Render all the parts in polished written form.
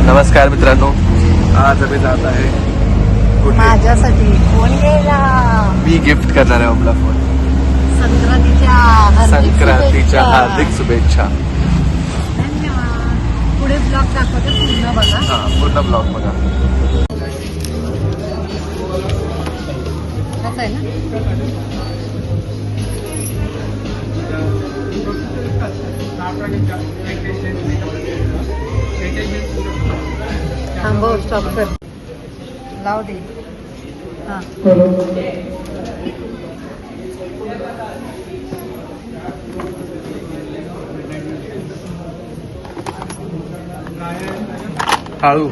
नमस्कार मित्रांनो, आज आम्ही जात आहे कुठे? माझ्यासाठी फोन घ्यायला. मी गिफ्ट करणार आहे आपला फोन. संक्रांतीच्या हार्दिक शुभेच्छा. धन्यवाद. पुढे ब्लॉग दाखवते, पूर्ण बघा. हा, पूर्ण ब्लॉग बघा. कसं आहे ना? थांबव, स्टॉप कर, लाव दे. हा, हळू.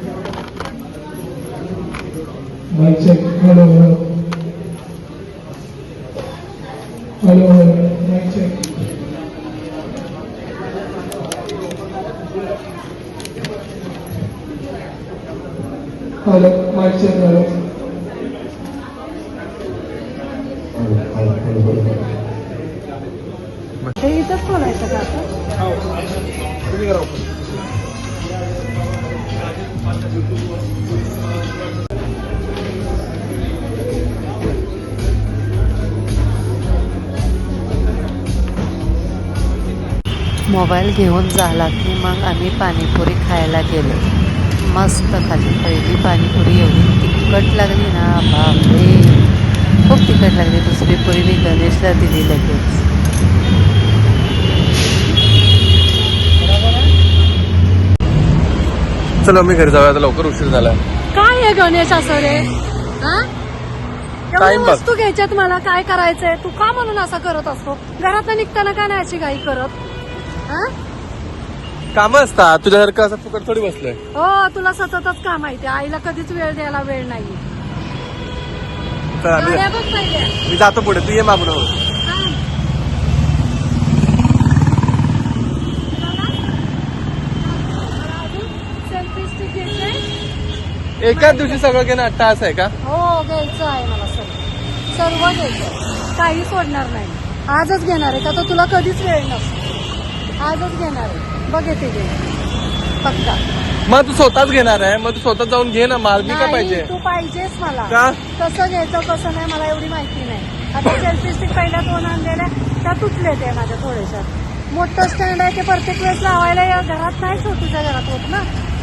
Hello, mic check, hello. ते इथंच बोलायचं का आता? मोबाईल घेऊन झाला की मग आम्ही पाणीपुरी खायला गेलो. मस्त खाल्ली. पहिली पाणीपुरी एवढी तिखट लागली ना, बापरे, खूप तिखट लागली. दुसरी पुरी मी गणेशला दिली लगेच. चला मी घरी जाऊया, आता लवकर उशीर झाला. काय आहे गणेश असं रे? हा? एवढ्या Time pass. वस्तू घ्यायच्यात, मला काय करायचंय? तू का म्हणून असं करत असतो? घरात निघताना का नाही अशी घाई करत? हा? काम असतात तुझ्यासारखं, असं फुकट थोडी बसलोय. हो, तुला सततच काम आहे. आईला कधीच वेळ द्यायला वेळ नाही. चला, गाड्या बघ पहिल्या. मी जातो पुढे, तू ये मागून. सेल्फी स्टिक घ्यायचंय? एकाच दिवशी सगळं घेणं अट्टा असं आहे का? हो, घ्यायचं आहे मला सर्व घ्यायचं, काही सोडणार नाही. आजच घेणार आहे का? तर तुला कधीच वेळ नसतो. आजच घेणार आहे. बघ येते घे पक्का. मग तू स्वतःच घेणार आहे, मग तू स्वतः जाऊन घे ना. माल मी काय पाहिजे? तू पाहिजेस मला. का? कसं घ्यायचं कसं नाही मला एवढी माहिती नाही. आता सेल्फी स्टिक पहिल्या 2 आणलेल्या त्या तुटले ते माझ्या थोड्याशा. मोठं स्टँड आहे ते प्रत्येक वेळेस लावायला घरात नाही, छोटूच्या घरात होत ना.